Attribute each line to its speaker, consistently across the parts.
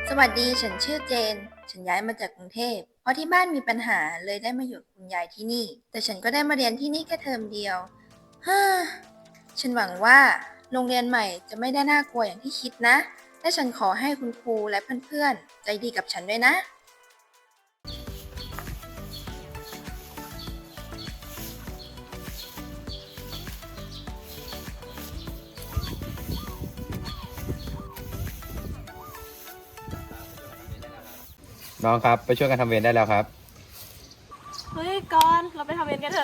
Speaker 1: สวัสดี ฉันชื่อเจน ฉันย้ายมาจากกรุงเทพ เพราะที่บ้านมีปัญหาเลยได้มาอยู่กับคุณยายที่นี่ แต่ฉันก็ได้มาเรียนที่นี่แค่เทอมเดียวฮ่าฉันหวังว่าโรงเรียนใหม่จะไม่ได้น่ากลัวอย่างที่คิดนะ และฉันขอให้คุณครูและเพื่อนๆใจดีกับฉันด้วยนะ
Speaker 2: น้องครับไปช่วยกันทำเวรได้แล้วครับ
Speaker 3: เฮ้ยก่อนเราไปทำเวรกันเถอะ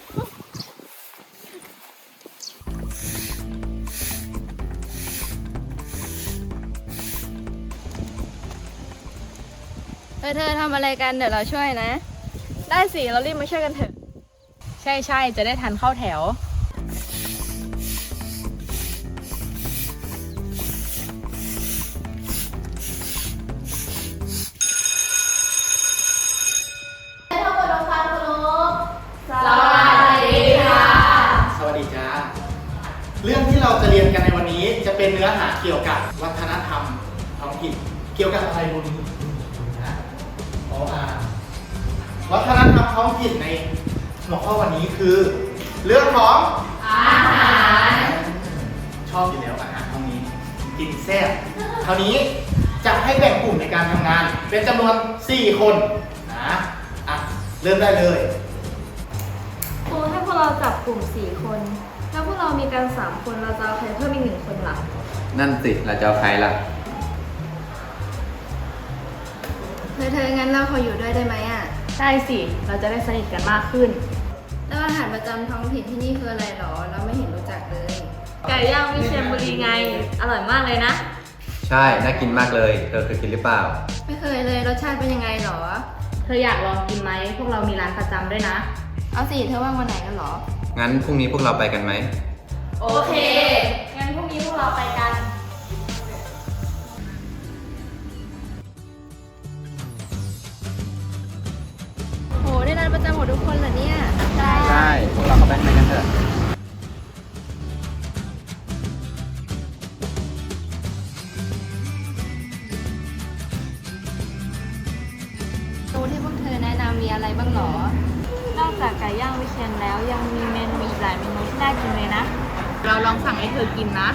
Speaker 1: เธอทำอะไรกันเดี๋ยวเราช่วยนะ
Speaker 3: ได้สิ เรารีบมาช่วยกันเถอะ ใช่ใช่จะได้ทันเข้าแถว
Speaker 4: สวัสดีจ้าเรื่องที่เราจะเรียนกันในวันนี้จะเป็นเนื้อหาเกี่ยวกับวัฒนธรรมท้องถิ่นเกี่ยวกับอะไรบุญนะวัฒนธรรมท้องถิ่นในหัวข้อวันนี้คือ เรื่องของอาหารชอบอยู่แล้วอาหารตรงนี้กินแซ่บคราวนี้จะให้แบ่งกลุ่มในการทำงาน เป็นจำนวน 4 คนนะเริ่มได้เลย
Speaker 5: ครูให้พวกเราจับกลุ่ม4 คน แล้วพวกเรามีกัน3 คน เราจะเอาใครเพิ่มอีก1 คนล่ะ
Speaker 2: นั่นสิเราจะเอาใครล่ะ
Speaker 1: เธองั้นเราขออยู่ด้วยได้ไหมอ่ะ
Speaker 3: ได้สิ เราจะได้สนิทกันมากขึ้น
Speaker 1: แล้วอาหารประจำท้องถิ่นที่นี่คืออะไรหรอ เราไม่เห็นรู้จักเลย
Speaker 5: ไก่ย่างวิเชียรบุรีไง อร่อยมากเลยนะ
Speaker 2: ใช่น่ากินมากเลยเธอเคยกินหรือเปล่า
Speaker 1: ไม่เคยเลยรสชาติเป็นยังไงหรอ
Speaker 5: เธออยากลองกินไหม พวกเรามีร้านประจำด้วยนะ
Speaker 1: เอาสิเธอว่างวันไหนกันหรอ
Speaker 2: งั้นพรุ่งนี้พวกเราไปกันไหม
Speaker 5: โอเค งั้นพรุ่งนี้พวกเราไปกัน
Speaker 1: โหได้ร้านประจำหมดทุกคนเหรอเนี่ย
Speaker 2: ใช่พวกเราเข้าไปข้างในกันเถอะ
Speaker 1: เมนูที่พวกเธอแนะนำมีอะไรบ้างหรอ
Speaker 5: นอกจากไก่ย่างวิเชียรแล้วยังมีเมนูอีกหลายเมนูที่น่ากินเลยนะ
Speaker 3: เราลองสั่งให้เธอกินนะ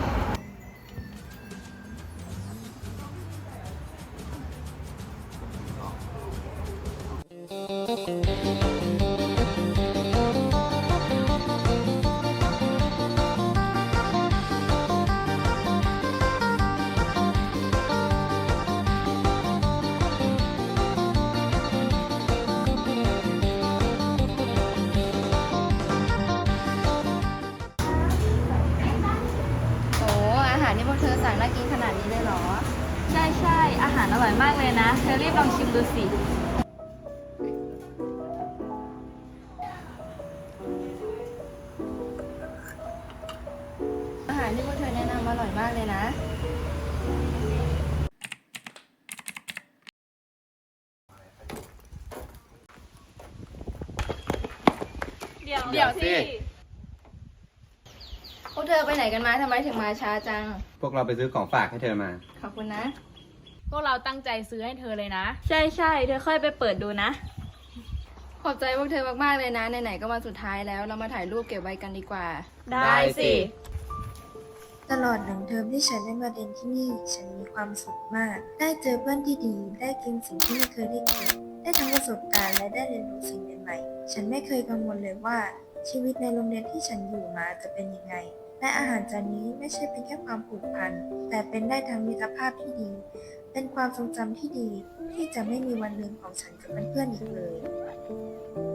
Speaker 1: โอ้อาหารที่พวกเธอสั่งน่ากินขนาดนี้เลยเหรอ
Speaker 5: ใช่ใช่อาหารอร่อยมากเลยนะ เธอรีบลองชิมดูสิ
Speaker 1: อาหารที่พวกเธอแนะนำอร่อยมากเลยนะ
Speaker 5: เดี๋ยวสิ
Speaker 1: พวกเธอไปไหนกันมาทำไมถึงมาช้าจัง
Speaker 2: พวกเราไปซื้อของฝากให้เธอมา
Speaker 1: ขอบคุณนะ
Speaker 3: พวกเราตั้งใจซื้อให้เธอเลยนะ
Speaker 5: ใช่ใช่เธอค่อยไปเปิดดูนะ
Speaker 1: ขอบใจพวกเธอมากๆเลยนะไหนๆก็มาสุดท้ายแล้วเรามาถ่ายรูปเก็บไว้กันดีกว่า
Speaker 5: ได้สิ
Speaker 1: ตลอด1 เทอมที่ฉันได้มาเรียนที่นี่ ฉันมีความสุขมาก ได้เจอเพื่อนที่ดี ได้กินสิ่งที่ไม่เคยได้กิน ได้ทั้งประสบการณ์และได้เรียนรู้สิ่งใหม่ๆ ฉันไม่เคยกังวลเลยว่า ชีวิตในโรงเรียนที่ฉันอยู่มาจะเป็นยังไง และอาหารจานนี้ไม่ใช่เป็นแค่ความผูกพัน แต่เป็นได้ทั้งมิตรภาพที่ดี เป็นความทรงจำที่ดี ที่จะไม่มีวันลืมของฉันกับเพื่อนๆอีกเลย